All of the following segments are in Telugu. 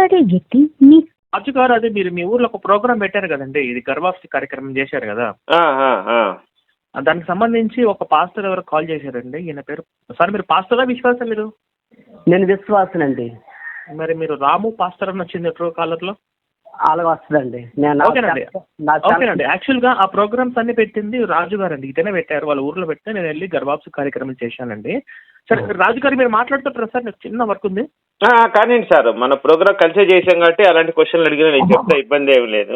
మాట్లాడే వ్యక్తి మీ రాజు గారు, అదే మీరు మీ ఊర్లో ఒక ప్రోగ్రామ్ పెట్టారు కదండి, ఇది గర్భాఫ్సి కార్యక్రమం చేశారు కదా, దానికి సంబంధించి ఒక పాస్టర్ ఎవరు కాల్ చేశారండి. ఈయన పేరు సార్, మీరు పాస్టరా విశ్వాసం? మీరు? నేను విశ్వాసనండి. మరి మీరు రాము పాస్టర్ అని వచ్చింది ట్రూ కాలర్ లో. అలాగ వస్తుందండి. ఓకేనండి. యాక్చువల్ గా ఆ ప్రోగ్రామ్స్ అన్ని పెట్టింది రాజు గారు అండి. ఇతనే పెట్టారు, వాళ్ళ ఊర్లో పెడితే నేను వెళ్ళి గర్భాప్సి కార్యక్రమం చేశానండి. సరే రాజు గారు, మీరు మాట్లాడుతుంటారా సార్? నాకు చిన్న వర్క్ ఉంది. కానీ సార్, మన ప్రోగ్రామ్ కలిసే చేసాం కాబట్టి అలాంటి క్వశ్చన్లు అడిగినా నేను చెప్తా, ఇబ్బంది ఏమి లేదు.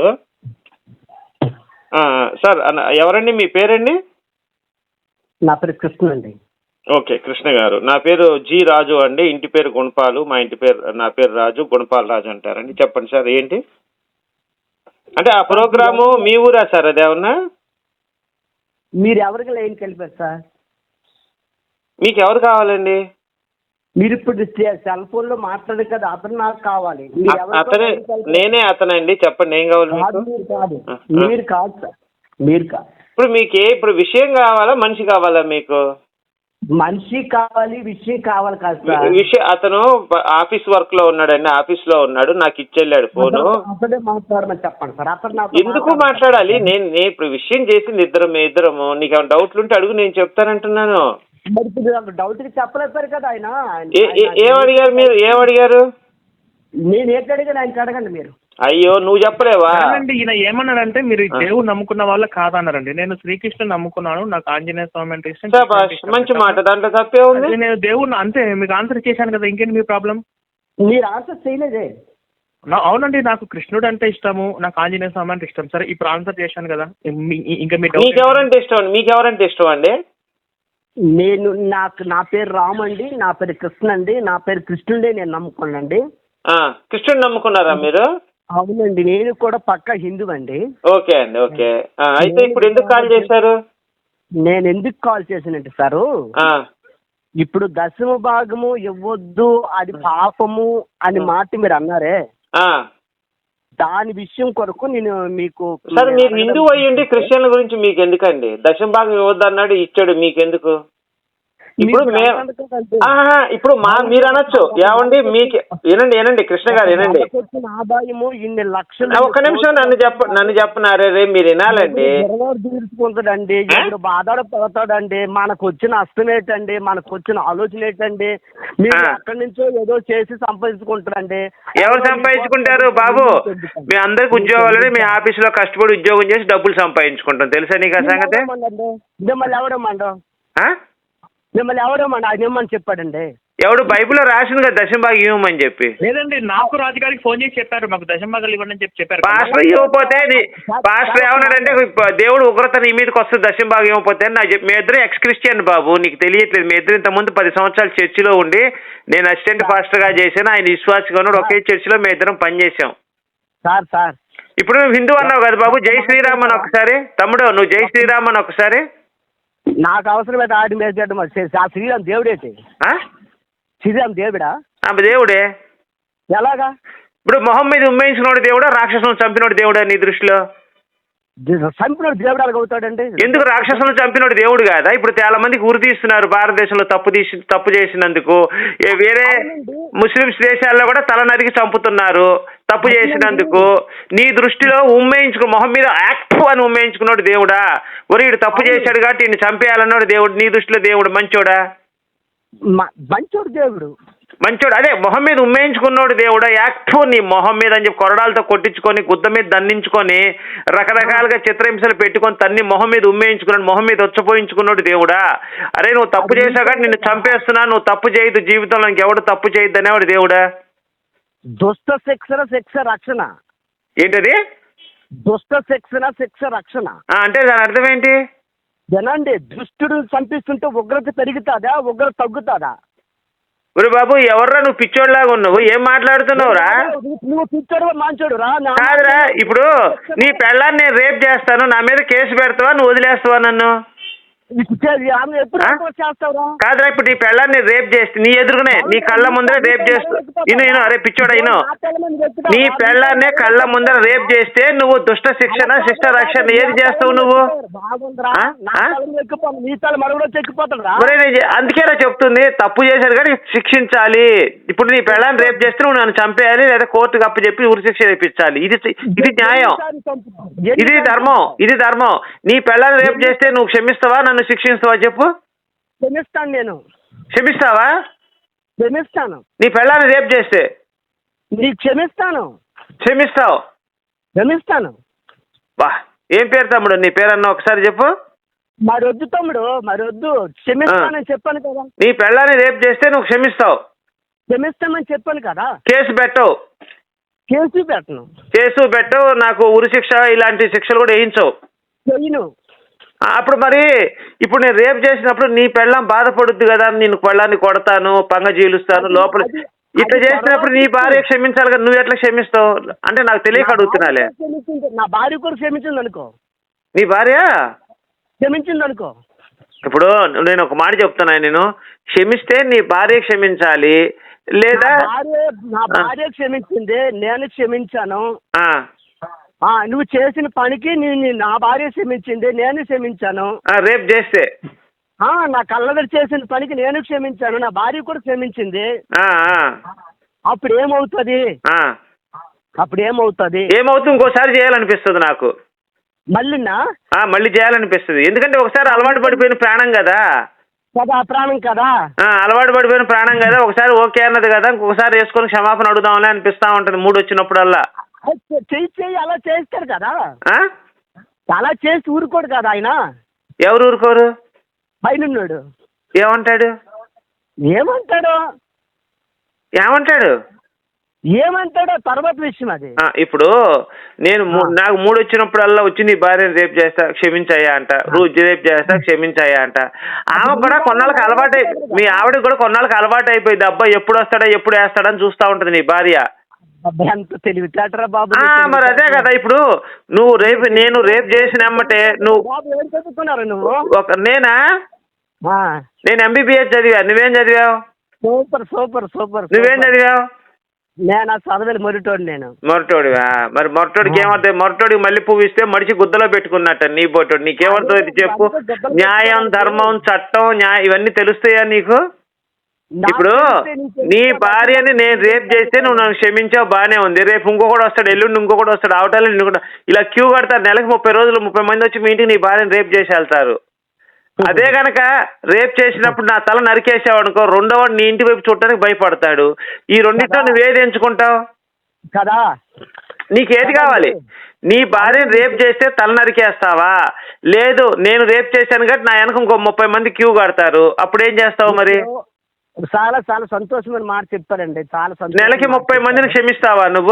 సార్ ఎవరండి మీ పేరండి? నా పేరు కృష్ణ అండి. ఓకే, కృష్ణ గారు. నా పేరు జి రాజు అండి. ఇంటి పేరు గుణపాలు. మా ఇంటి పేరు, నా పేరు రాజు, గుణపాల్ రాజు అంటారండి. చెప్పండి సార్, ఏంటి అంటే ఆ ప్రోగ్రాము మీ ఊరా సార్? అదేమన్నా మీరు ఎవరికి లైన్కి వెళ్ళిపోయారు సార్? మీకు ఎవరు కావాలండి? మీరు ఇప్పుడు సెల్ ఫోన్ లో మాట్లాడారు కదా, అతను నాకు కావాలి. అతనే, నేనే అతనండి. చెప్పండి, ఏం కావాలి మీకు? మీరు కాదు సార్, మీరు కాదు. ఇప్పుడు మీకు ఇప్పుడు విషయం కావాలా, మనిషి కావాలా మీకు? మనిషి కావాలి, విషయం కావాలి కాదు సార్. విషయం, అతను ఆఫీస్ వర్క్ లో ఉన్నాడండి, ఆఫీస్ లో ఉన్నాడు, నాకు ఇచ్చెళ్ళాడు ఫోను. అతనే మాట్లాడమని చెప్పండి సార్. అతను ఎందుకు మాట్లాడాలి? నేను ఇప్పుడు విషయం చేసింది ఇద్దరము. నీకు ఏమైనా డౌట్లు ఉంటే అడుగు, నేను చెప్తానంటున్నాను. డౌట్ చెప్పలేపారు కదా ఆయన. ఏమడిగారు మీరు? ఏమడిగారు? నేను ఏంటి అడిగాను, ఆయనకి అడగండి మీరు. అయ్యో, నువ్వు చెప్పలేవా? ఈయన ఏమన్నాడంటే, మీరు దేవుడు నమ్ముకున్న వాళ్ళు కాదన్నారండి. నేను శ్రీకృష్ణ నమ్ముకున్నాను, నాకు ఆంజనేయ స్వామి అంటే ఇష్టం. మంచి మాట, దాంట్లో తప్పే ఉంది. నేను దేవుడు అంతే, మీకు ఆన్సర్ చేశాను కదా, ఇంకేంటి మీ ప్రాబ్లం? మీరు ఆన్సర్ చేయలేదే. అవునండి, నాకు కృష్ణుడు అంటే ఇష్టము, నాకు ఆంజనేయ స్వామి అంటే ఇష్టం. సరే, ఇప్పుడు ఆన్సర్ చేశాను కదా, ఇంకా మీకెవరంటే ఇష్టం? మీకెవరంటే ఇష్టం అండి? నా పేరు రాము అండి, నా పేరు కృష్ణ అండి, నా పేరు కృష్ణుడే నేను నమ్ముకున్నాండి. కృష్ణుడు నమ్ముకున్నారా మీరు? అవునండి, నేను కూడా పక్కా హిందూ అండి. ఓకే అండి, ఓకే. అయితే ఇప్పుడు ఎందుకు కాల్ చేశారు? నేను ఎందుకు కాల్ చేశానంటే సారు, ఇప్పుడు దశమ భాగము ఇవ్వద్దు, అది పాపము అని మాట మీరు అన్నారే, దాని విషయం కొరకు నేను మీకు. సార్, మీరు హిందూ అయ్యండి, క్రిస్టియన్ల గురించి మీకు ఎందుకండి? దశమ భాగం ఇవ్వద్దు అన్నాడు, ఇచ్చాడు, మీకెందుకు? ఇప్పుడు ఇప్పుడు మీరు అనొచ్చు, ఏమండి మీకు వినండి కృష్ణ గారు, వినండి ఆదాయము ఇన్ని లక్షలు. ఒక్క నిమిషం, నన్ను చెప్పనారే రే, మీరు వినాలండి. తీర్చుకుంటాడండి, ఇప్పుడు బాధపడతాడండి. మనకు వచ్చిన అస్తం ఏంటండి, మనకు వచ్చిన ఆలోచన ఏంటండి? మీరు అక్కడి నుంచో ఏదో చేసి సంపాదించుకుంటారండి. ఎవరు సంపాదించుకుంటారు బాబు? మీ అందరికి ఉద్యోగాలు, మీ ఆఫీసులో కష్టపడి ఉద్యోగం చేసి డబ్బులు సంపాదించుకుంటాం, తెలుసా నీకు ఆ సంగతి? మిమ్మల్ని ఎవరేమండి ఆయన ఇవ్వమని చెప్పాడండి? ఎవడు? బైబిల్లో రాసింది కదా దశంభాగం ఇవ్వమని చెప్పి. లేదండి, నాకు రాజుగారికి ఫోన్ చేసి చెప్పారు, మాకు దశంభాగాలు ఇవ్వండి అని చెప్పారు. పాస్టర్ ఇవ్వకపోతే, పాస్టర్ ఏమన్నాడంటే, దేవుడు ఉగ్రత నీ మీదకి వస్తుంది దశంభాగం ఇవ్వకపోతే నాకు చెప్పి. మీ ఇద్దరు ఎక్స్ క్రిస్టియన్ బాబు, నీకు తెలియట్లేదు. మీ ఇద్దరు ఇంతకుముందు 10 సంవత్సరాలు చర్చిలో ఉండి, నేను అసిస్టెంట్ పాస్టర్ గా చేశాను, ఆయన విశ్వాసగా ఉన్నాడు, ఒకే చర్చిలో మీ ఇద్దరం పనిచేసాం. సార్ ఇప్పుడు నువ్వు హిందూ అన్నావు కదా బాబు, జై శ్రీరామ్ అని ఒకసారి. తమ్ముడు, నువ్వు జై శ్రీరామ్ అని ఒకసారి. నాకు అవసరమైతే ఆడి మీద శ్రీరామ్ దేవుడేంటి? శ్రీరామ్ దేవుడా? దేవుడే. ఎలాగా? ఇప్పుడు మొహం మీద ఉమ్మేయించుకున్నాడు దేవుడా, రాక్షసులను చంపినోడు దేవుడా నీ దృష్టిలో? చంపినోడు దేవుడు అలాగ అవుతాడండి? ఎందుకు? రాక్షసులను చంపినోడు దేవుడు కాదా? ఇప్పుడు చాలా మందికి ఉరి తీస్తున్నారు భారతదేశంలో తప్పు చేసినందుకు. వేరే ముస్లిమ్స్ దేశాల్లో కూడా తల నరికి చంపుతున్నారు తప్పు చేసినందుకు. నీ దృష్టిలో మొహం మీద యాక్టివ్ అని ఉమ్మేయించుకున్నాడు దేవుడా? వీడు తప్పు చేశాడు కాబట్టి ఈయన చంపేయాలన్నాడు దేవుడు. నీ దృష్టిలో దేవుడు మంచోడా? మంచోడు దేవుడు. మంచోడు అదే మొహం మీద ఉమ్మేయించుకున్నాడు దేవుడా? యాక్టివ్ నీ మొహం మీద అని చెప్పి కొరడాలతో కొట్టించుకొని, గుద్ద మీద దండించుకొని, రకరకాలుగా చిత్రహింసలు పెట్టుకొని తన్ని మొహం మీద ఉమ్మేయించుకున్నాడు, మొహం మీద వచ్చపోయించుకున్నాడు దేవుడా? అరే నువ్వు తప్పు చేశావు కాబట్టి నిన్ను చంపేస్తున్నా, నువ్వు తప్పు చేయొద్దు, జీవితంలో ఇంకెవడు తప్పు చేయొద్దు అనేవాడు దేవుడా? దుష్ట శిక్ష రక్షణ. ఏంటది? దుష్ట శిక్ష రక్షణ అంటే దాని అర్థం ఏంటి? జనండి, దుష్టుడు చంపిస్తుంటే ఉగ్రత పెరుగుతుందా, ఉగ్రత తగ్గుతుందా? ఒరే బాబు, ఎవర్రా నువ్వు పిచ్చోడ్లాగా ఉన్నావు? ఏం మాట్లాడుతున్నావురా? నువ్వు పిచ్చోడు మంచోడు రా? కాదురా, ఇప్పుడు నీ పెళ్ళాన్ని నేను రేప్ చేస్తాను, నా మీద కేసు పెడతావా, నువ్వు వదిలేస్తావా నన్ను? ఎప్పుడు చేస్తావురా? కాదురా, ఇప్పుడు నీ పెళ్ళాన్ని రేప్ చేస్తే నీ ఎదురుగానే నీ కళ్ళ ముందర రేప్ చేస్తూ ఇను అరే పిచ్చోడా ఇను, నీ పెళ్ళాన్నే కళ్ళ ముందర రేప్ చేస్తే నువ్వు దుష్ట శిక్షణ శిష్ట రక్షణ ఏది చేస్తావు నువ్వు? అందుకేరా చెప్తుంది, తప్పు చేశారు కానీ శిక్షించాలి. ఇప్పుడు నీ పెళ్ళాన్ని రేప్ చేస్తే నువ్వు నన్ను చంపేయాలి, లేదా కోర్టుకు అప్పచెప్పి ఉరి శిక్ష వేయించాలి. ఇది న్యాయం, ఇది ధర్మం, ఇది ధర్మం. నీ పెళ్ళాన్ని రేప్ చేస్తే నువ్వు క్షమిస్తావా, నన్ను శిక్షిస్తావా చెప్పు? క్షమిస్తాను. నేను క్షమిస్తావా? క్షమిస్తాను. నీ పెళ్ళాన్ని రేప్ చేస్తే నీకు క్షమిస్తాను. క్షమిస్తావు? క్షమిస్తాను. వా, ఏం పేరు తమ్ముడు నీ పేరన్నా ఒకసారి చెప్పు. మరొద్దు తమ్ముడు, మరొద్దు. క్షమిస్తానని చెప్పాను కదా. నీ పెళ్ళాన్ని రేప్ చేస్తే నువ్వు క్షమిస్తావు? క్షమిస్తామని చెప్పాను కదా. కేసు పెట్టవు? కేసు పెట్టను. కేసు పెట్టవు, నాకు ఉరి శిక్ష ఇలాంటి శిక్షలు కూడా వేయించవు? చెయ్యను. అప్పుడు మరి ఇప్పుడు నేను రేప్ చేసినప్పుడు నీ పెళ్ళాం బాధపడుద్ది కదా, నేను పెళ్ళాన్ని కొడతాను, పంగ జీలుస్తాను లోపల, ఇట్లా చేసినప్పుడు నీ భార్య క్షమించాలి కదా, నువ్వు ఎట్లా క్షమిస్తావు అంటే నాకు తెలియక అడుగుతున్నాలే. నా భార్య కూడా క్షమించింది అనుకో. నీ భార్య క్షమించింది అనుకో. ఇప్పుడు నేను ఒక మాట చెప్తున్నా, నేను క్షమిస్తే నీ భార్య క్షమించాలి, లేదా నా భార్య క్షమించింది, నేను క్షమించాను. నువ్వు చేసిన పనికి నా భార్య క్షమించింది, నేను క్షమించాను. రేప్ చేస్తే నా కళ్ళదరి చేసిన పనికి నేను క్షమించాను, నా భార్య కూడా క్షమించింది. అప్పుడు ఏమవుతుంది? ఏమవుతుంది? ఇంకోసారి చేయాలనిపిస్తుంది నాకు. మళ్ళీ చేయాలనిపిస్తుంది, ఎందుకంటే ఒకసారి అలవాటు పడిపోయిన ప్రాణం కదా. ప్రాణం కదా, అలవాటు పడిపోయిన ప్రాణం కదా. ఒకసారి ఓకే అన్నది కదా, ఇంకొకసారి వేసుకొని క్షమాపణ అడుగుదాంలే అనిపిస్తా ఉంటది మూడు వచ్చినప్పుడల్లా. చెయ్యి అలా చేస్తారు కదా, అలా చేసి ఊరుకోడు కదా ఆయన. ఎవరు ఊరుకోరు? పైనున్నాడు. ఏమంటాడు? తర్వాత విషయం అది. ఇప్పుడు నేను నాకు మూడు వచ్చినప్పుడల్లా వచ్చి నీ భార్యను రేప్ చేస్తా క్షమించాయా అంట, రోజు రేప్ చేస్తా క్షమించాయా అంట. ఆమె కూడా కొన్నాళ్ళకి అలవాటు, మీ ఆవిడ కూడా కొన్నాళ్ళకి అలవాటు అయిపోయింది. అబ్బాయి ఎప్పుడు వస్తాడా ఎప్పుడు వేస్తాడని చూస్తా ఉంటది నీ భార్య. ఎంత తెలివితేటరా బాబు. మరి అదే కదా, ఇప్పుడు నువ్వు నేను రేప్ చేసిన అమ్మటే నువ్వు నేనా? నేను ఎంబీబీఎస్ చదివా, నువ్వేం చదివావు? Super super super. నువ్వేం చదివావు? నేను చదవలేదు, మొరటోడు. నేను మొరటోడివా? మరి మొరటోడికి ఏమవుతుంది? మొరటోడికి మళ్ళీ పువ్వు ఇస్తే మడిచి గుద్దలో పెట్టుకున్నట్ట నీ బోటోడు. నీకేమవుతుంది చెప్పు? న్యాయం, ధర్మం, చట్టం, ఇవన్నీ తెలుస్తాయా నీకు? ఇప్పుడు నీ భార్యని నేను రేప్ చేస్తే నువ్వు నన్ను క్షమించావు, బాగానే ఉంది. రేపు ఇంకొకటి వస్తాడు, ఎల్లుండి ఇంకొకటి వస్తాడు, అవటాలు నిన్ను కూడా ఇలా క్యూ కడతారు. నెలకు 30 రోజులు 30 మంది వచ్చి మీ ఇంటికి నీ భార్యని రేప్ చేసి వెళ్తారు. అదే గనక రేప్ చేసినప్పుడు నా తల నరికేసావు అనుకో, రెండో వాడు నీ ఇంటి వైపు చూడటానికి భయపడతాడు. ఈ రెండింటిలో నువ్వేది ఎంచుకుంటావు కదా? నీకేది కావాలి? నీ భార్యని రేప్ చేస్తే తల నరికేస్తావా, లేదు నేను రేప్ చేశాను కాబట్టి నా వెనక ఇంకో 30 మంది క్యూ కడతారు, అప్పుడేం చేస్తావు మరి? చాలా చాలా సంతోషమైన మాట చెప్పారండి. చాలా సంతోషం. నెలకి 30 మందిని క్షమిస్తావా నువ్వు?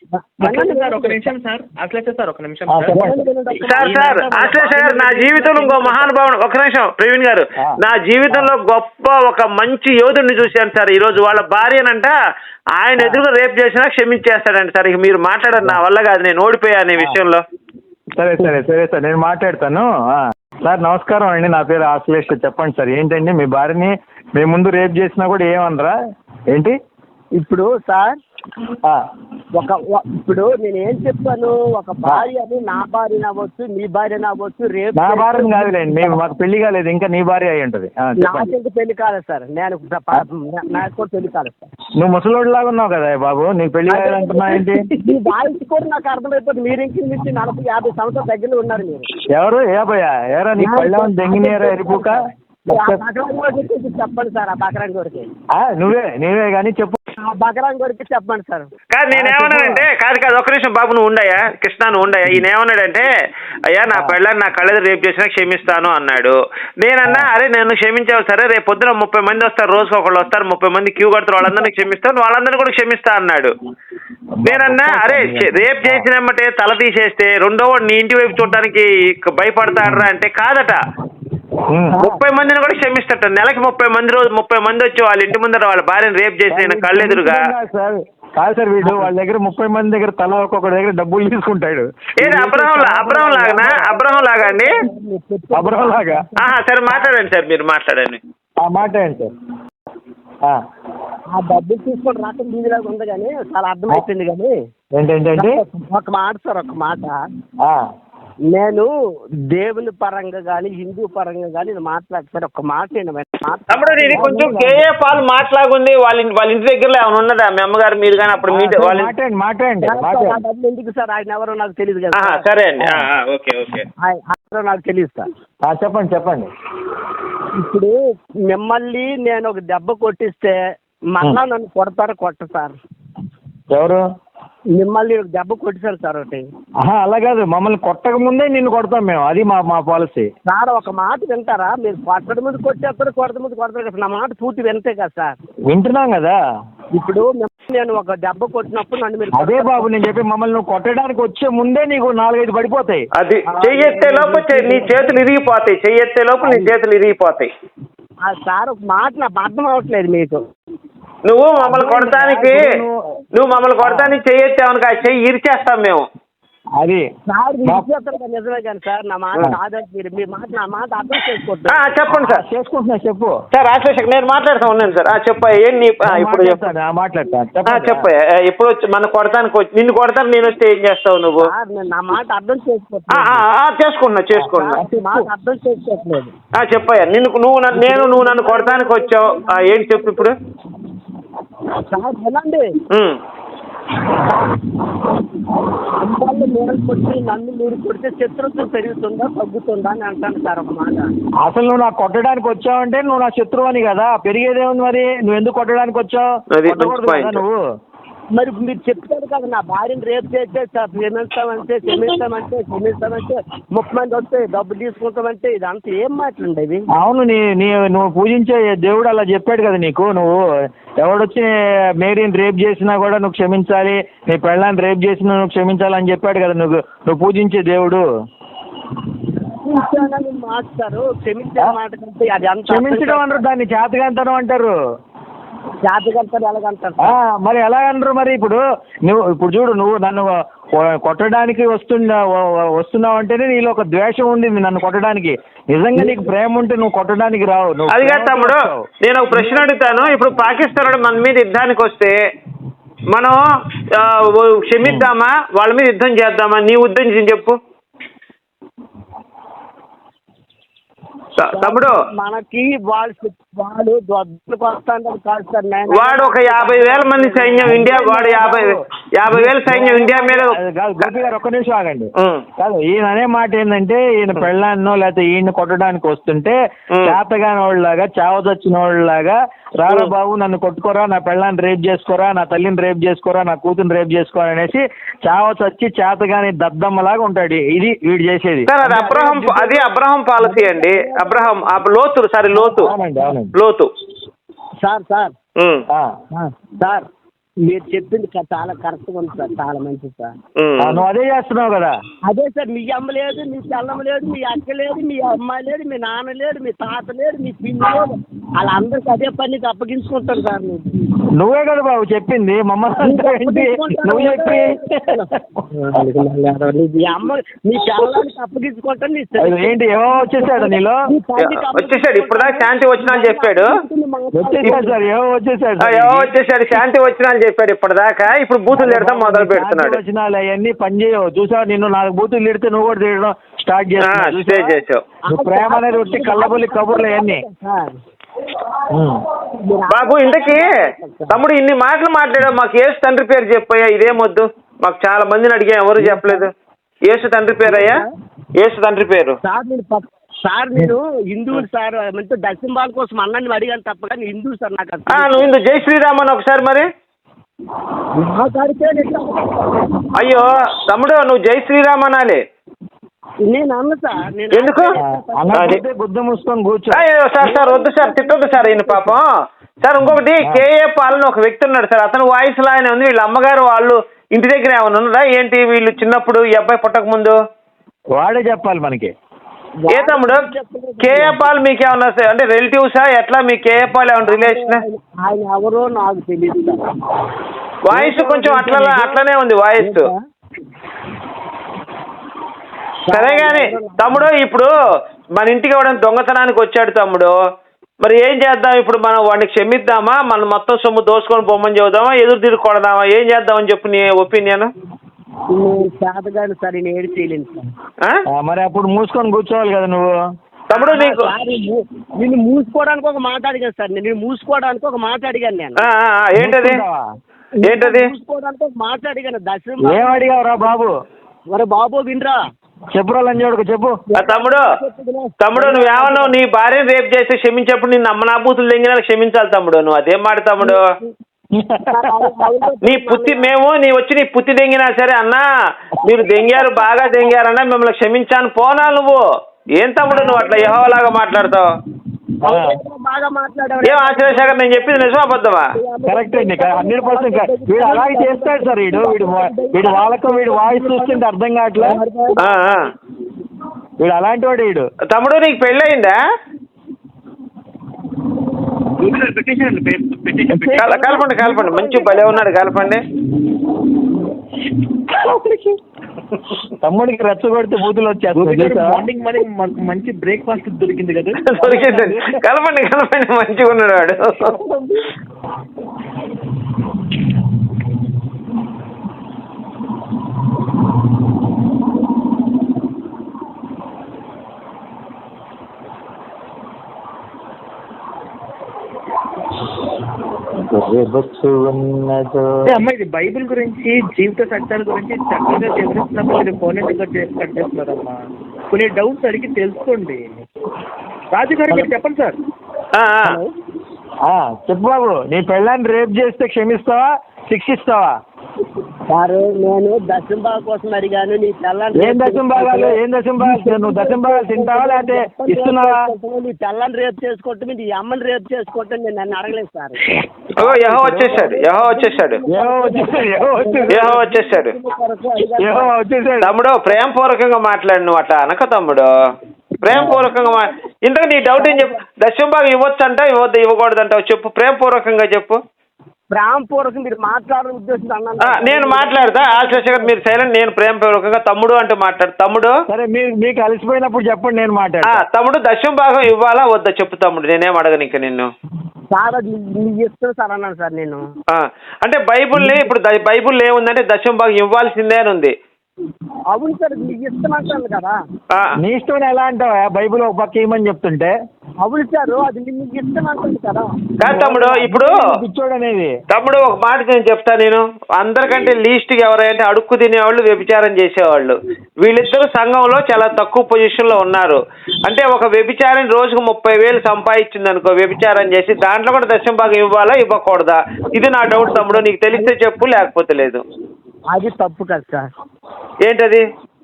సార్ నా జీవితంలో ఇంకో మహానుభావుడు, ఒక నిమిషం ప్రవీణ్ గారు, నా జీవితంలో గొప్ప ఒక మంచి యోధుడిని చూశాను సార్. ఈ రోజు వాళ్ళ భార్యనంట ఆయన ఎదురుగా రేప్ చేసినా క్షమించేస్తాడండి సార్. ఇక మీరు మాట్లాడారు, నా వల్ల కాదు, నేను ఓడిపోయాను ఈ విషయంలో. సరే సార్, నేను మాట్లాడతాను. సార్ నమస్కారం అండి, నా పేరు ఆశ్లేష్. చెప్పండి సార్, ఏంటండి మీ భార్యని మేము ముందు రేప్ చేసినా కూడా ఏమనరా ఏంటి? ఇప్పుడు సార్ ఇప్పుడు నేను ఏం చెప్పాను, ఒక భార్య అని నా భార్య అవ్వచ్చు, నీ భార్య అవ్వచ్చు. రేపు నా భార్య కాదులేండి, మేము మాకు పెళ్లి కాలేదు, ఇంకా నీ భార్య అయి ఉంటది. నాకెందుకు పెళ్లి కాలేదు సార్, నాకు కూడా పెళ్లి కాలేదు సార్. నువ్వు ముసలోడు లాగా ఉన్నావు కదా బాబు, నీకు పెళ్లి కాలేదంటున్నావు ఏంటి? మీ వాయిస్ కూడా నాకు అర్థమైపోతుంది. మీరు ఇంటి నుంచి 40-50 సంవత్సరాల దగ్గరలో ఉన్నారు మీరు. ఎవరు ఏరా నీ పళ్ళ దెంగినేరా ఎరిపుక? చెప్పండి సార్, ఆ బకరాంగ్ గోడికి నువ్వే కానీ చెప్పు. బకరాంగ్ గోడికి చెప్పండి సార్. కాదు నేనేమన్నానంటే, కాదు ఒక్క నిమిషం బాబు, నువ్వు ఉండయా కృష్ణ, నువ్వు ఉండయా. ఈయన ఏమన్నాడంటే, అయ్యా నా పెళ్ళని నా కళ్ళది రేపు చేసినా క్షమిస్తాను అన్నాడు. నేనన్నా అరే నేను క్షమించావు సరే, రేపు పొద్దున 30 మంది వస్తారు, రోజుకి ఒకళ్ళు వస్తారు, 30 మంది క్యూ కడతారు, వాళ్ళందరినీ క్షమిస్తాను, వాళ్ళందరినీ కూడా క్షమిస్తా అన్నాడు. నేనన్నా అరే రేపు చేసినమ్మటే తల తీసేస్తే రెండో వాడు నీ ఇంటి వైపు చూడటానికి భయపడతాడరా అంటే, కాదట 30 మందిని కూడా క్షమిస్తట. నెలకి 30 మంది, రోజు 30 మంది వచ్చి వాళ్ళ ఇంటి ముందర వాళ్ళ భార్యను రేప్ చేసిన కళ్ళెదురుగా కాదు సార్, వీడు వాళ్ళ దగ్గర 30 మంది దగ్గర తల ఒక్కొక్కడి దగ్గర డబ్బులు తీసుకుంటాడు. ఏది అబ్రహం లాగానా? అబ్రహం లాగా అండి? అబ్రహం లాగా. సరే మాట్లాడండి సార్, మీరు మాట్లాడండి. మాట్లాడండి సార్. ఆ డబ్బులు తీసుకొని రావటం వీధిలాగా ఉంది కానీ చాలా అర్థమైపోయింది. కానీ ఏంటంటే ఒక మాట సార్, ఒక మాట, నేను దేవుని పరంగా కానీ హిందూ పరంగా కానీ మాట్లాడతాను. ఒక మాట తమ్ముడు, ఇది కొంచెం కేఏ పాల్ మాట్లాగుంది. వాళ్ళ ఇంటి దగ్గరలో ఏమైనా ఉన్నదా మీ అమ్మగారు మీరు కానీ? అప్పుడు మాట్లాడండి. ఎందుకు సార్, ఆయన ఎవరో నాకు తెలియదు కదా. సరే అండి, ఓకే ఓకే, ఆయన నాకు తెలియదు సార్. చెప్పండి. ఇప్పుడు మిమ్మల్ని నేను ఒక దెబ్బ కొట్టిస్తే మళ్ళా నన్ను కొడతారు కొట్ట సార్? ఎవరు మిమ్మల్ని ఒక దెబ్బ కొట్టిసారు సార్ ఒకటి. అలా కాదు, మమ్మల్ని కొట్టక ముందే నిన్ను కొడతాం మేము, అది మా పాలసీ. సార్ ఒక మాట వింటారా? మీరు కొట్టడం ముందు కొట్టేస్తారు, కొడత ముందు కొడతారు కదా. నా మాట పూర్తి వింటే కదా సార్. వింటున్నాం కదా. ఇప్పుడు నేను ఒక దెబ్బ కొట్టినప్పుడు నన్ను మీరు అదే బాబు నేను చెప్పి, మమ్మల్ని నువ్వు కొట్టడానికి వచ్చే ముందే నీకు 4-5 పడిపోతాయి. అది చెయ్యెత్తే లోపు నీ చేతులు ఇరిగిపోతాయి. చెయ్యెత్తే లోపు నీ చేతులు ఇరిగిపోతాయి. సార్ ఒక మాట నాకు అర్థం అవ్వట్లేదు మీకు. నువ్వు మమ్మల్ని కొడతానికి చెయ్యెత్తావనుక చెయ్యి ఇరిచేస్తాం మేము. అది సార్ నిజమే కానీ సార్, నా మాట కాదని మీరు మీ మాట నా మాట అర్థం చేసుకోవట్లేదు. చెప్పండి సార్. చేసుకుంటున్నా చెప్పు సార్. రాజశేఖర్ నేను మాట్లాడుతూ ఉన్నాను సార్. చెప్పయ్యా ఇప్పుడు చెప్పయ్యా. ఇప్పుడు మన కొడతానికి నిన్ను కొడతాను నేను వస్తే ఏం చేస్తావు నువ్వు? నా మాట అర్థం చేసుకోవట్లేదు. చేసుకున్నా మాట అర్థం చేసుకోవట్లేదు. చెప్పయ్యా. నువ్వు నన్ను కొడతానికి వచ్చావు, ఏంటి చెప్పు ఇప్పుడు? సార్ వినండి, నన్ను మీరు కొడితే శత్రుత్వం పెరుగుతుందా తగ్గుతుందా అని అంటాను సార్ ఒక మాట. అసలు నువ్వు నాకు కొట్టడానికి వచ్చావంటే నువ్వు నా శత్రువు అని కదా, పెరిగేదేముంది మరి? నువ్వు ఎందుకు కొట్టడానికి వచ్చావు? నువ్వు మరి మీరు చెప్తారు కదా, నా భార్యను రేపు చేస్తే క్షమిస్తామంటే 30 మంది వస్తే డబ్బులు తీసుకుంటామంటే ఇదంతా ఏం మాట్లాడేవి? అవును, నువ్వు పూజించే దేవుడు అలా చెప్పాడు కదా నీకు. నువ్వు ఎవడొచ్చి మేరీని రేప్ చేసినా కూడా నువ్వు క్షమించాలి, నీ పెళ్ళాన్ని రేప్ చేసినా నువ్వు క్షమించాలని చెప్పాడు కదా నువ్వు పూజించే దేవుడు. మాట్లాడతారు క్షమించే మాట కంటే అది అంత క్షమించడం అంటారు, దాన్ని చేతకంతనం అంటారు. జాతకంటారు ఎలాగంటారు? మరి ఎలా అనరు మరి? ఇప్పుడు చూడు, నువ్వు నన్ను కొట్టడానికి వస్తున్నావు అంటేనే నీలో ఒక ద్వేషం ఉంది నన్ను కొట్టడానికి. నిజంగా నీకు ప్రేమ ఉంటే నువ్వు కొట్టడానికి రావు. అది కాదు తమ్ముడు, నేను ఒక ప్రశ్న అడుగుతాను. ఇప్పుడు పాకిస్తాన్ మన మీద యుద్ధానికి వస్తే మనం క్షమిద్దామా, వాళ్ళ మీద యుద్ధం చేద్దామా? నీ ఉద్దేశం చెప్పు తమ్ముడు. మనకి వాళ్ళు వస్తాను కాదు సార్. వాడు ఒక 50,000 మంది సైన్యం ఇండియా, వాడు 50,000 సైన్యం ఇండియా మీద. గోపి గారు ఒక్క నిమిషం ఆగండి. కాదు, ఈయన అనే మాట ఏంటంటే, ఈయన పెళ్ళాన్నో లేకపోతే ఈయన కొట్టడానికి వస్తుంటే చేతగాని వాళ్ళలాగా, చావదొచ్చిన వాళ్ళలాగా, రారా బాబు నన్ను కొట్టుకోరా, నా పెళ్ళాన్ని రేప్ చేసుకోరా, నా తల్లిని రేప్ చేసుకోరా, నా కూతురు రేప్ చేసుకోరా అనేసి చావచచ్చి చేతగాని దద్దమ్మలాగా ఉంటాడు. ఇది వీడు చేసేది. అది అబ్రహం పాలసీ అండి. అబ్రహం లోతు సార్ మీరు చెప్పింది చాలా కరెక్ట్గా ఉంది సార్, చాలా మంచిది సార్. నువ్వు అదే చేస్తున్నావు కదా. అదే సార్, మీ అమ్మ లేదు, మీ చెల్లమ్మ లేదు, మీ అక్క లేదు, మీ అమ్మాయి లేదు, మీ నాన్న లేడు, మీ తాత లేడు, మీ పిల్లి లేదు, వాళ్ళందరికీ అదే పనికి అప్పగించుకుంటారు సార్. నువ్వే కదా బాబు చెప్పింది, మమ్మల్ని నువ్వు చెప్పి మీ అమ్మ మీ పిల్లలకి అప్పగించుకుంటాను. ఏంటి ఏమో వచ్చేసాడు నీలో? వచ్చేసాడు ఇప్పుడు దాకా శాంతి వచ్చినా అని చెప్పాడు. వచ్చేసాడు సార్, ఏమో వచ్చేసాడు శాంతి వచ్చినా అని చెప్పాడు ఇప్పటిదాకా. ఇప్పుడు బూతులు తిడతాం మొదలు పెడుతున్నాడు. వచ్చినాలు అవన్నీ పని చేయవు. చూసావు, నిన్ను 4 బూతులు తిడితే నువ్వు కూడా తిడడం స్టార్ట్ చేసావు. ప్రేమ అనేది వచ్చి కళ్ళబొల్లి కబుర్లు అవన్నీ. బాబు ఇంతకీ తమ్ముడు ఇన్ని మాటలు మాట్లాడావు, మాకు యేసు తండ్రి పేరు చెప్పయ్యా. ఇదేమొద్దు, మాకు చాలా మందిని అడిగా, ఎవరు చెప్పలేదు. యేసు తండ్రి పేరు అయ్యా, యేసు తండ్రి పేరు. సార్ నేను హిందువులు సార్, దర్శనం కోసం అన్నాన్ని అడిగాను తప్ప కానీ హిందువు సార్. నాకు నువ్వు హిందూ జై శ్రీరామ్ అని ఒకసారి మరి. అయ్యో తమ్ముడు, నువ్వు జై శ్రీరామ్ అనాలి. నేను అన్న సార్, ఎందుకు బుద్ధ మూసుకొని కూర్చో. సార్ వద్దు సార్, తిట్టొద్దు సార్ ఈయన పాపం. సార్ ఇంకొకటి, కేఏ పాల్ ఒక వ్యక్తి ఉన్నాడు సార్, అతను వాయిస్ లాగానే ఉంది. వీళ్ళ అమ్మగారు వాళ్ళు ఇంటి దగ్గర ఏమైనా ఉన్నారా ఏంటి? వీళ్ళు చిన్నప్పుడు ఈ అబ్బాయి పుట్టక ముందు వాడే చెప్పాలి మనకి. ఏ తమ్ముడు కేఏ పాల్ మీకేమన్నా అంటే రిలేటివ్సా ఎట్లా మీ కేఏ పాల్ ఏమన్నా రిలేషన్? ఆయన ఎవరో నాకు తెలియదు. వాయిస్ కొంచెం అట్లనే ఉంది వాయిస్. సరే కానీ తమ్ముడు ఇప్పుడు మన ఇంటికి ఎవడైనా దొంగతనానికి వచ్చాడు తమ్ముడు, మరి ఏం చేద్దాం ఇప్పుడు? మనం వాడిని క్షమిద్దామా, మనం మొత్తం సొమ్ము దోసుకొని పొమ్మని చెబుదామా, ఎదురు తిరిగి కొడదామా, ఏం చేద్దామని చెప్పు నీ ఒపీనియన్. చేతగాని సార్ నేను ఏడు చేయలేను సార్. మరి అప్పుడు మూసుకొని కూర్చోవాలి కదా నువ్వు. తమ్ముడు నీకు నిన్ను మూసుకోవడానికి ఒక మాట అడిగాను సార్. నేను మూసుకోవడానికి ఒక మాట అడిగాను. నేను ఏంటది మూసుకోవడానికి ఒక మాట అడిగాను. ఏం అడిగావురా బాబు? మరి బాబు వినరా, చెప్పురా లంజోడుకు చెప్పు. తమ్ముడు నువ్వేమన్నావు, నీ భార్యను రేపు చేస్తే క్షమించేప్పుడు నిన్ను అమ్మనాబూతులు తెంగినా క్షమించాలి తమ్ముడు. నువ్వు అదేం మాట తమ్ముడు? నీ పుత్తి దెంగినా సరే అన్నా, మీరు దెంగారు బాగా దెంగారన్నా మిమ్మల్ని క్షమించాను పోనా నువ్వు? ఏం తమ్ముడు నువ్వు అట్లా యెహోవాలాగా మాట్లాడతావు? ఏం ఆశ్చర్యశేఖర్, నేను చెప్పింది నిజమా అబద్ధమా? కరెక్ట్ అండి, 100%. వీడు అలాగే చేస్తాడు సార్. వీడు వాళ్ళకు వీడు వాయిస్ చూస్తుంటే అర్థం కావట్లే. వీడు అలాంటి వాడు వీడు. తమ్ముడు నీకు పెళ్ళయిందా? కలపండి మంచి భలే ఉన్నాడు, కలపండి. తమ్ముడికి రెచ్చగొడితే బూతులు వచ్చేస్తాయి. మార్నింగ్ మంచి బ్రేక్ఫాస్ట్ దొరికింది కదా. దొరికిందండి, కలపండి మంచిగా ఉన్నాడు వాడు. అమ్మ ఇది బైబిల్ గురించి, జీవిత సత్యాల గురించి చక్కగా వివరిస్తున్నప్పుడు మీరు ఫోన్ కట్ చేస్తున్నారమ్మా. కొన్ని డౌట్స్ అడిగి తెలుసుకోండి. రాజు గారు మీరు చెప్పండి సార్. చెప్పు బాబు, నీ పెళ్ళాన్ని రేప్ చేస్తే క్షమిస్తావా, శిక్షిస్తావా? సార్ నేను దశం భాగం కోసం అడిగాను. నీ తెల్లని ఏం దశం భాగాలు నువ్వు దశం భాగాలు తింటావా లేకపోతే ఇస్తున్నావా? నీ తెల్లని రేపు చేసుకోవటం, నీ అమ్మని రేపు చేసుకోవటం నేను నన్ను అడగలేదు సార్. యెహోవా వచ్చేసాడు. తమ్ముడు ప్రేమపూర్వకంగా మాట్లాడు, నువ్వు అట్లా అనక తమ్ముడు. ప్రేమపూర్వకంగా ఇంతకు నీ డౌట్ ఏం చెప్పు. దశం భాగం ఇవ్వచ్చు అంటావు, ఇవ్వకూడదంటావు చెప్పు, ప్రేమపూర్వకంగా చెప్పు. ప్రేమపూర్వకం మీరు మాట్లాడే ఉద్దేశం నేను మాట్లాడతా. ఆశ్చర్యశేఖర్ మీరు సైలెంట్. నేను ప్రేమపూర్వకంగా తమ్ముడు అంటే మాట్లాడు. తమ్ముడు సరే, మీకు అలసిపోయినప్పుడు చెప్పండి, నేను మాట్లాడతా. తమ్ముడు దశం భాగం ఇవ్వాలా వద్దా చెప్పు తమ్ముడు, నేనేం అడగను ఇంకా నిన్ను. సార్ ఇస్తాను సార్ అన్నాను సార్ నేను. అంటే బైబుల్ని ఇప్పుడు బైబుల్ ఏముందంటే దశం భాగం ఇవ్వాల్సిందే అని ఉంది. అవును సార్, మీకు ఇస్తాను కదా. నీ ఇష్టం ఎలా అంటావా? బైబుల్ ఒక పక్క ఇవ్వమని చెప్తుంటే. అవును సార్, అది మీకు ఇస్తాను కదా. కాదు తమ్ముడు, ఇప్పుడు పిచ్చోడనేది. తమ్ముడు ఒక మాట నేను చెప్తా. నేను అందరికంటే లీస్ట్గా ఎవరైతే అడుక్కు తినేవాళ్ళు, వ్యభిచారం చేసేవాళ్ళు, వీళ్ళిద్దరు సంఘంలో చాలా తక్కువ పొజిషన్లో ఉన్నారు. అంటే ఒక వ్యభిచారం రోజుకు 30,000 సంపాదించింది అనుకో, వ్యభిచారం చేసి, దాంట్లో కూడా దశం భాగం ఇవ్వాలా ఇవ్వకూడదా? ఇది నా డౌట్ తమ్ముడు. నీకు తెలిస్తే చెప్పు, లేకపోతే లేదు. అది తప్పు కదా సార్. ఏంటది?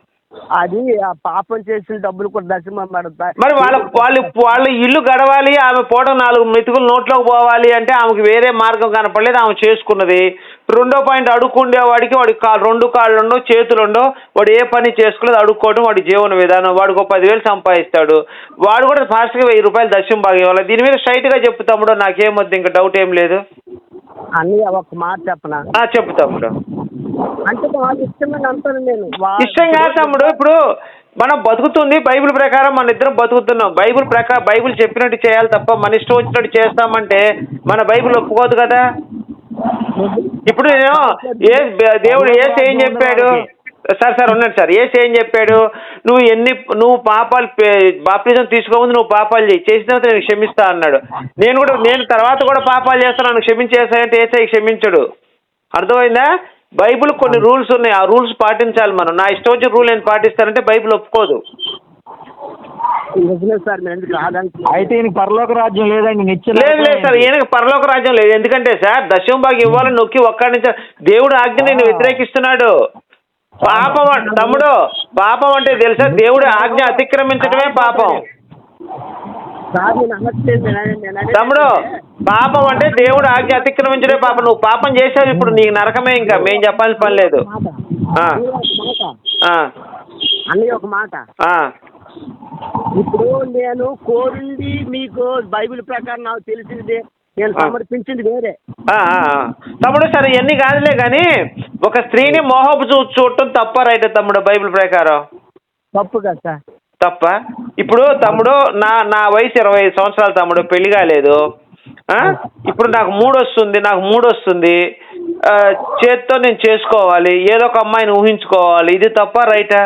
అది పాపం చేసిన డబ్బులు కూడా దశమం పడతాయి. మరి వాళ్ళ ఇల్లు గడవాలి, ఆమె పోవడం 4 మెతుకులు నోట్లోకి పోవాలి అంటే ఆమెకు వేరే మార్గం కనపడలేదు, ఆమె చేసుకున్నది. రెండో పాయింట్, అడుక్కుండేవాడికి వాడికి 2 కాళ్ళు ఉండవు, చేతులు ఉండవు, వాడు ఏ పని చేసుకోలేదు, అడుక్కోవడం వాడి జీవన విధానం. వాడికి 10,000 సంపాదిస్తాడు, వాడు కూడా ఫాస్ట్గా 1000 రూపాయలు దశం భాగం ఇవ్వాలి. దీని మీద స్ట్రైట్గా చెప్పు తమ్ముడు, నాకేమొద్దు, ఇంకా డౌట్ ఏం లేదు. అని ఒక మాట చెప్పనా? చెప్పు తమ్ముడు. అంటే వాళ్ళు ఇష్టమైన అంటాను నేను. ఇష్టం కాదు తమ్ముడు, ఇప్పుడు మనం బతుకుతుంది బైబిల్ ప్రకారం, మన ఇద్దరం బతుకుతున్నాం. బైబిల్ చెప్పినట్టు చేయాలి తప్ప మన ఇష్టం వచ్చినట్టు చేస్తామంటే మన బైబిల్ ఒప్పుకోదు కదా. ఇప్పుడు నేను దేవుడు యేసు ఏం చెప్పాడు? సార్ ఉన్నాడు సార్. యేసు ఏం చెప్పాడు? నువ్వు పాపాలు బాప్తిజం తీసుకోముందు నువ్వు పాపాలు చేసిన తర్వాత నేను క్షమిస్తా అన్నాడు. నేను తర్వాత కూడా పాపాలు చేస్తాను, నన్ను క్షమించేసాయంటే యేసయ్య క్షమించడు. అర్థమైందా? బైబిల్ కొన్ని రూల్స్ ఉన్నాయి, ఆ రూల్స్ పాటించాలి మనం. నా ఇష్టం వచ్చిన రూల్ నేను పాటిస్తానంటే బైబిల్ ఒప్పుకోదు. అయితే ఈయనకి పరలోక రాజ్యం లేదండి, లేదు సార్, ఈయనకి పరలోక రాజ్యం లేదు. ఎందుకంటే సార్ దశం భాగం ఇవ్వాలని నొక్కి ఒక్కడి నుంచి దేవుడు ఆజ్ఞ నేను వ్యతిరేకిస్తున్నాడు. పాపం తమ్ముడు, పాపం అంటే తెలుసా? దేవుడు ఆజ్ఞ అతిక్రమించడమే పాపం తమ్ముడు. పాపం అంటే దేవుడు ఆజ్ఞ అతిక్రమించడే పాపం. నువ్వు పాపం చేసావు, ఇప్పుడు నీకు నరకమే. ఇంకా మేము చెప్పాల్సిన పని లేదు. ఒక మాట ఇప్పుడు నేను కోరింది మీకు బైబిల్ ప్రకారం నాకు తెలిసింది నేను సమర్పించింది వేరే. తమ్ముడు సరే ఇవన్నీ కాదులే కానీ ఒక స్త్రీని మోహపు చూడటం తప్ప రైట్ తమ్ముడు బైబిల్ ప్రకారం? తప్పు కదా సార్. తప్ప? ఇప్పుడు తమ్ముడు నా వయసు 25 సంవత్సరాలు తమ్ముడు, పెళ్లి కాలేదు. ఇప్పుడు నాకు మూడు వస్తుంది చేత్తో నేను చేసుకోవాలి, ఏదో ఒక అమ్మాయిని ఊహించుకోవాలి, ఇది తప్ప రైటా?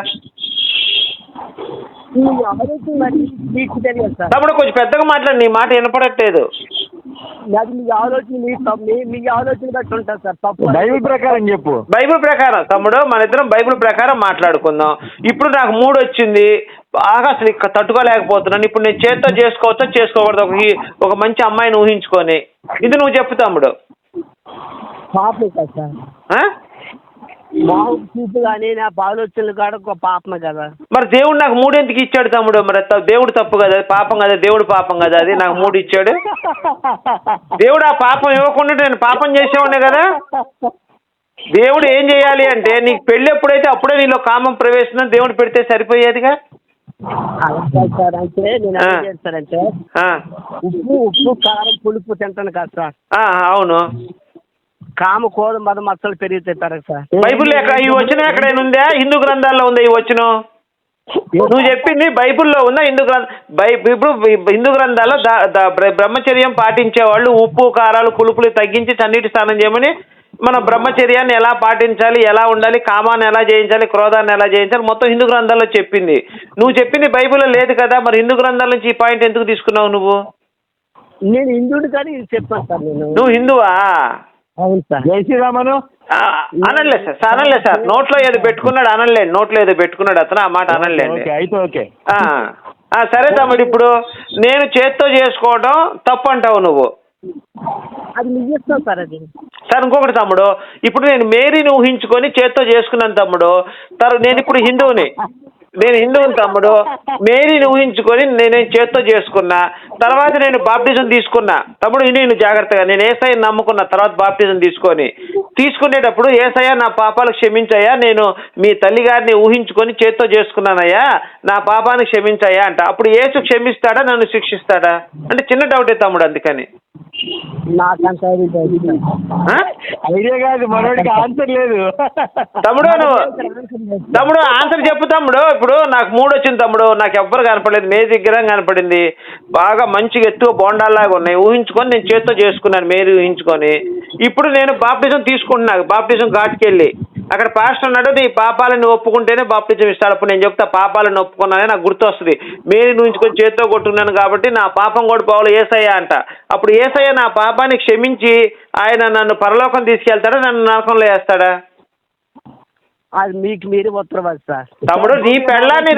తమ్ముడు కొంచెం పెద్దగా మాట్లాడి, నీ మాట వినపడట్లేదు. మీ ఆలోచన బట్టి ఉంటుంది సార్. తప్పు బైబిల్ ప్రకారం చెప్పు. బైబిల్ ప్రకారం తమ్ముడు, మన ఇద్దరం బైబిల్ ప్రకారం మాట్లాడుకుందాం. ఇప్పుడు నాకు 3 వచ్చింది, బాగా అసలు ఇక్కడ తట్టుకోలేకపోతున్నాను. ఇప్పుడు నేను చేత్తో చేసుకోవచ్చా చేసుకోకూడదు ఒక మంచి అమ్మాయిని ఊహించుకొని? ఇది నువ్వు చెప్పు తమ్ముడు. పాపం కదా సార్. మామూలు చూపు కానీ నా ఆలోచనలు కాడ ఒక పాపమే కదా. మరి దేవుడు నాకు 3 ఎందుకు ఇచ్చాడు తమ్ముడు? మరి దేవుడు తప్పు కదా, పాపం కదా, దేవుడు పాపం కదా, అది నాకు 3 ఇచ్చాడు. దేవుడు ఆ పాపం ఇవ్వకుండా నేను పాపం చేసేవాడినే కదా. దేవుడు ఏం చేయాలి అంటే, నీకు పెళ్ళి ఎప్పుడైతే అప్పుడే నీలో కామం ప్రవేశం దేవుడు పెడితే సరిపోయేదిగా. సార్ అంటే నేను ఏం చేస్తానంటే ఉప్పు కారం పులుపు తింటాను కదా సార్. అవును. కామ కోద మద మచ్చలు పెరుగుతాయి సార్. బైబిల్లో ఇవి వచ్చిన ఎక్కడైనా ఉందా? హిందూ గ్రంథాల్లో ఉందా ఇవి వచ్చిన? నువ్వు చెప్పింది బైబిల్లో ఉందా? ఇప్పుడు హిందూ గ్రంథాల్లో బ్రహ్మచర్యం పాటించే వాళ్ళు ఉప్పు కారాలు పులుపులు తగ్గించి చన్నీటి స్నానం చేయమని, మన బ్రహ్మచర్యాన్ని ఎలా పాటించాలి, ఎలా ఉండాలి, కామాన్ని ఎలా జయించాలి, క్రోధాన్ని ఎలా జయించాలి, మొత్తం హిందూ గ్రంథాల్లో చెప్పింది. నువ్వు చెప్పింది బైబిల్లో లేదు కదా, మరి హిందూ గ్రంథాల నుంచి ఈ పాయింట్ ఎందుకు తీసుకున్నావు నువ్వు? నేను హిందువుడు కానీ చెప్పాను సార్. నువ్వు హిందువా? అవును సార్. జై శ్రీరామను అనలేదు సార్. నోట్లో ఏదో పెట్టుకున్నాడు అనలేండి, నోట్లో ఏదో పెట్టుకున్నాడు అతను, ఆ మాట అనలేండి. అయితే ఓకే. సరే తమ్ముడు, ఇప్పుడు నేను చేత్తో చేసుకోవడం తప్పు అంటావు నువ్వు. అది నిజం సార్. అది సార్ ఇంకొకటి తమ్ముడు, ఇప్పుడు నేను మేరీని ఊహించుకొని చేత్తో చేసుకున్నాను తమ్ముడు. నేను ఇప్పుడు హిందువుని తమ్ముడు. మేరీని ఊహించుకొని నేనేం చేత్తో చేసుకున్నా, తర్వాత నేను బాప్టిజం తీసుకున్నా తమ్ముడు. నేను జాగ్రత్తగా నేను యేసయ్యని నమ్ముకున్న తర్వాత బాప్టిజం తీసుకునేటప్పుడు యేసయ్య నా పాపాలు క్షమించయ్యా, నేను మీ తల్లిగారిని ఊహించుకొని చేత్తో చేసుకున్నానయ్యా, నా పాపాన్ని క్షమించయ్యా అంట. అప్పుడు యేసు క్షమిస్తాడా, నన్ను శిక్షిస్తాడా? అంటే చిన్న డౌటే తమ్ముడు, అందుకని. ఐడియా కాదు, మనోడికి ఆన్సర్ లేదు తమ్ముడు. ఆన్సర్ చెప్పు తమ్ముడు. ఇప్పుడు నాకు 3 వచ్చింది తమ్ముడు, నాకు ఎవ్వరు కనపడలేదు, మేరీ విగ్రహం కనపడింది, బాగా మంచిగా ఎత్తుగా బోండాల్లాగా ఉన్నాయి, ఊహించుకొని నేను చేత్తో చేసుకున్నాను మేరీ ఊహించుకొని. ఇప్పుడు నేను బాప్టిజం తీసుకుంటున్నాను, బాప్టిజం ఘాట్కి వెళ్ళి అక్కడ పాస్టర్ అన్నాడు, నీ పాపాలను ఒప్పుకుంటేనే బాప్టిజం ఇస్తాడు. అప్పుడు నేను చెప్తా పాపాలను ఒప్పుకున్నానే నాకు గుర్తు వస్తుంది, మేరీ ఊహించుకొని చేత్తో కొట్టుకున్నాను కాబట్టి నా పాపం కూడా పోవాలి యేసయ్య అంట. అప్పుడు యేసయ్య నా పాపాన్ని క్షమించి ఆయన నన్ను పరలోకం తీసుకెళ్తాడా, నన్ను నరకంలో వేస్తాడా? అది మీకు మీరే ఉత్తరవాది సార్. తమ్ముడు, నీ పెళ్ళాన్ని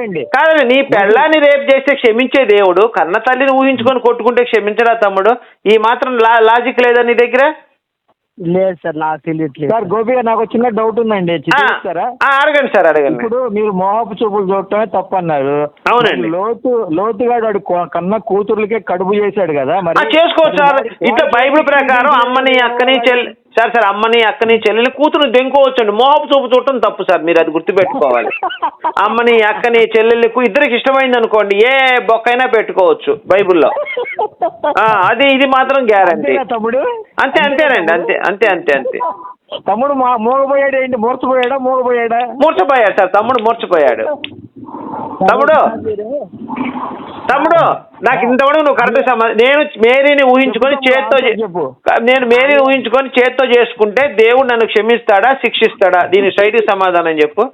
రేపు చేస్తే క్షమించే దేవుడు కన్న తల్లిని ఊహించుకొని కొట్టుకుంటే క్షమించడా తమ్ముడు? ఈ మాత్రం లాజిక్ లేదా నీ దగ్గర? లేదు సార్, నాకు తెలియట్లేదు సార్. గోపి గారు, నాకు చిన్న డౌట్ ఉందండి, అడగండి సార్, అడగండి. ఇప్పుడు మీరు మోహపు చూపులు చూడటమే తప్పు అన్నారు. అవునండి. లోతుగాడు వాడు కన్న కూతుర్లకే కడుపు చేశాడు కదా, మరి చేసుకోవచ్చు సార్. ఇట్లా బైబిల్ ప్రకారం అమ్మని అక్కని అమ్మని అక్కని చెల్లెని కూతురు దెంకోవచ్చండి. మోహపు చూపు చూడటం తప్పు సార్, మీరు అది గుర్తుపెట్టుకోవాలి. అమ్మని అక్కని చెల్లెల్ని ఇద్దరికి ఇష్టమైంది అనుకోండి, ఏ బొక్కైనా పెట్టుకోవచ్చు బైబిల్లో. ఇది మాత్రం గ్యారంటీ. తమ్ముడు అంతేనండి, అంతే తమ్ముడు మూగపోయాడు ఏంటి? మూర్చపోయాడు సార్. తమ్ముడు మూర్చపోయాడు. తమ్ముడు నాకు ఇంతవరకు నువ్వు కరెక్ట్ నేను మేరీని ఊహించుకొని చేత్తో చేసుకుంటే దేవుడు నన్ను క్షమిస్తాడా, శిక్షిస్తాడా? దీని సైడ్కి సమాధానం చెప్పు.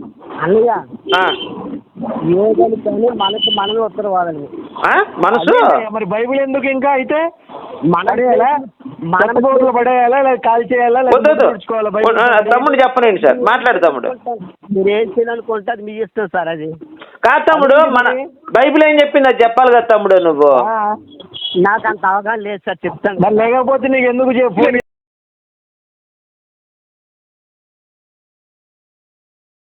మనసు మరి బైబిల్ ఎందుకు ఇంకా అయితే పడేయాలా, కాల్ చేయాలా? తమ్ముడు చెప్పనండి సార్, మాట్లాడు తమ్ముడు. మీరు ఏం చేయాలనుకుంటే అది మీ ఇష్టం సార్. అది కాదు తమ్ముడు, మన బైబిల్ ఏం చెప్పింది అది చెప్పాలి కదా తమ్ముడు నువ్వు. నాకు అంత అవగాహన లేదు సార్, చెప్తాను. లేకపోతే నీకు ఎందుకు చెప్పు.